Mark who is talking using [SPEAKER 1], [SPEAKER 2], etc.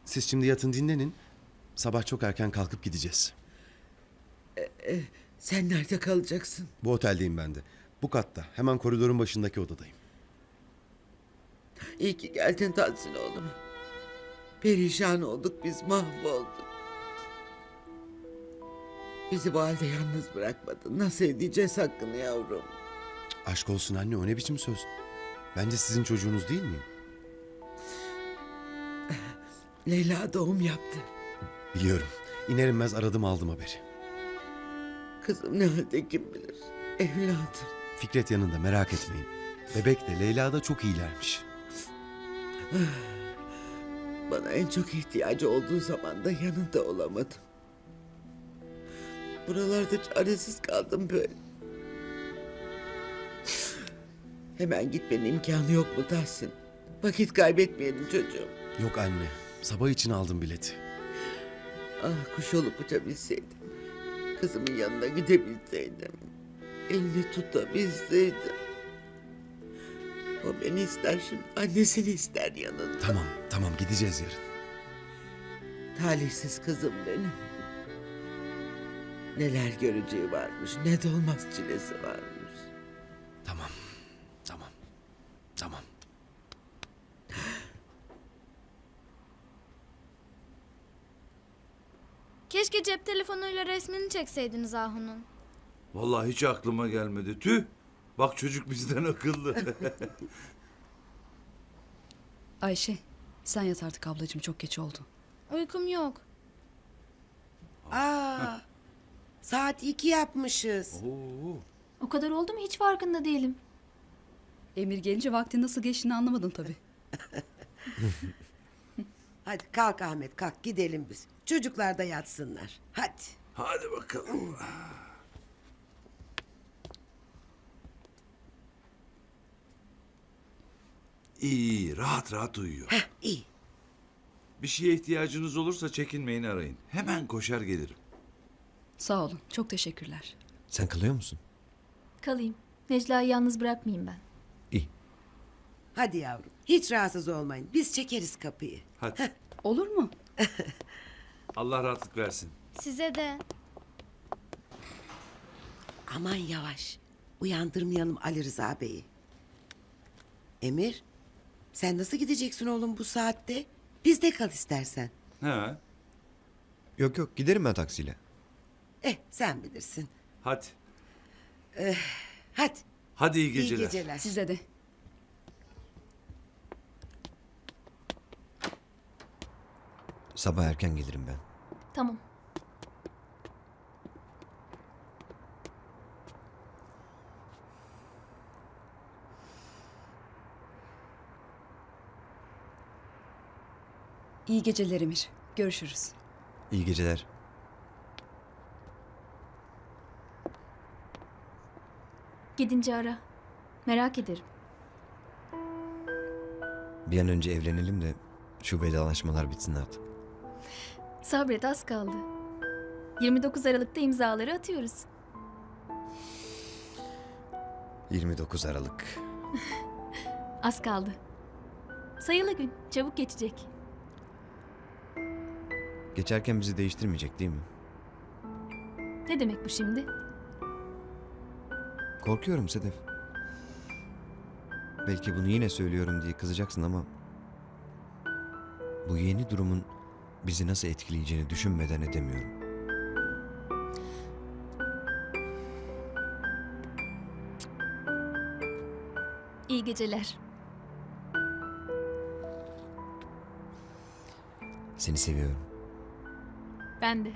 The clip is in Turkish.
[SPEAKER 1] Siz şimdi yatın dinlenin. Sabah çok erken kalkıp gideceğiz.
[SPEAKER 2] Sen nerede kalacaksın?
[SPEAKER 1] Bu oteldeyim ben de. Bu katta. Hemen koridorun başındaki odadayım.
[SPEAKER 2] İyi ki geldin Tahsin oğlum. Perişan olduk biz, mahvolduk. Bizi bu halde yalnız bırakmadın. Nasıl edeceğiz hakkını yavrum?
[SPEAKER 1] Aşk olsun anne, o ne biçim söz? Ben de sizin çocuğunuz değil miyim?
[SPEAKER 2] Leyla doğum yaptı.
[SPEAKER 1] Biliyorum. İner inmez aradım, aldım haberi.
[SPEAKER 2] Kızım ne halde kim bilir. Evladım.
[SPEAKER 1] Fikret yanında, merak etmeyin. Bebek de Leyla da çok iyilermiş.
[SPEAKER 2] Bana en çok ihtiyacı olduğu zaman da yanında olamadım. Buralarda çaresiz kaldım böyle. Hemen gitmenin imkanı yok mu Tahsin? Vakit kaybetmeyelim çocuğum.
[SPEAKER 1] Yok anne. Sabah için aldım bileti.
[SPEAKER 2] Ah, kuş olup uçabilseydim. Kızımın yanına gidebilseydim. Elini tutabilseydim. O beni ister şimdi. Annesini ister yanında.
[SPEAKER 1] Tamam gideceğiz yarın.
[SPEAKER 2] Talihsiz kızım benim. Neler göreceği varmış. Ne de olmaz çilesi varmış.
[SPEAKER 1] Tamam.
[SPEAKER 3] Keşke cep telefonuyla resmini çekseydiniz Ahu'nun.
[SPEAKER 4] Vallahi hiç aklıma gelmedi. Tüh. Bak çocuk bizden akıllı.
[SPEAKER 5] Ayşe, sen yat artık ablacığım, çok geç oldu.
[SPEAKER 3] Uykum yok.
[SPEAKER 6] Aa, saat 2 yapmışız.
[SPEAKER 4] Oo.
[SPEAKER 3] O kadar oldu mu hiç farkında değilim.
[SPEAKER 5] Emir gelince vaktin nasıl geçtiğini anlamadın tabii.
[SPEAKER 6] Hadi kalk Ahmet, kalk gidelim biz. Çocuklar da yatsınlar. Hadi.
[SPEAKER 4] Hadi bakalım. İyi, rahat rahat uyuyor.
[SPEAKER 6] Heh, iyi.
[SPEAKER 4] Bir şeye ihtiyacınız olursa çekinmeyin, arayın. Hemen koşar gelirim.
[SPEAKER 5] Sağ olun, çok teşekkürler.
[SPEAKER 1] Sen kalıyor musun?
[SPEAKER 3] Kalayım. Necla'yı yalnız bırakmayayım ben.
[SPEAKER 1] İyi.
[SPEAKER 6] Hadi yavrum. Hiç rahatsız olmayın. Biz çekeriz kapıyı.
[SPEAKER 4] Hadi.
[SPEAKER 5] Olur mu?
[SPEAKER 4] Allah rahatlık versin.
[SPEAKER 3] Size de.
[SPEAKER 6] Aman yavaş. Uyandırmayalım Ali Rıza Bey'i. Emir, sen nasıl gideceksin oğlum bu saatte? Bizde kal istersen.
[SPEAKER 4] Ha,
[SPEAKER 7] Yok giderim ben taksiyle.
[SPEAKER 6] Sen bilirsin.
[SPEAKER 4] hadi.
[SPEAKER 6] Hadi.
[SPEAKER 4] Hadi iyi
[SPEAKER 6] İyi
[SPEAKER 4] geceler.
[SPEAKER 6] geceler.
[SPEAKER 5] Size de.
[SPEAKER 7] Sabah erken gelirim ben.
[SPEAKER 3] Tamam.
[SPEAKER 5] İyi geceler Emir. Görüşürüz.
[SPEAKER 7] İyi geceler.
[SPEAKER 3] Gidince ara. Merak ederim.
[SPEAKER 7] Bir an önce evlenelim de şu vedalaşmalar bitsin artık.
[SPEAKER 3] Sabret, az kaldı. 29 Aralık'ta imzaları atıyoruz.
[SPEAKER 7] 29 Aralık.
[SPEAKER 3] Az kaldı. Sayılı gün. Çabuk geçecek.
[SPEAKER 7] Geçerken bizi değiştirmeyecek değil mi?
[SPEAKER 3] Ne demek bu şimdi?
[SPEAKER 7] Korkuyorum Sedef. Belki bunu yine söylüyorum diye kızacaksın ama... bu yeni durumun bizi nasıl etkileyeceğini düşünmeden edemiyorum.
[SPEAKER 3] İyi geceler.
[SPEAKER 7] Seni seviyorum.
[SPEAKER 3] Ben de.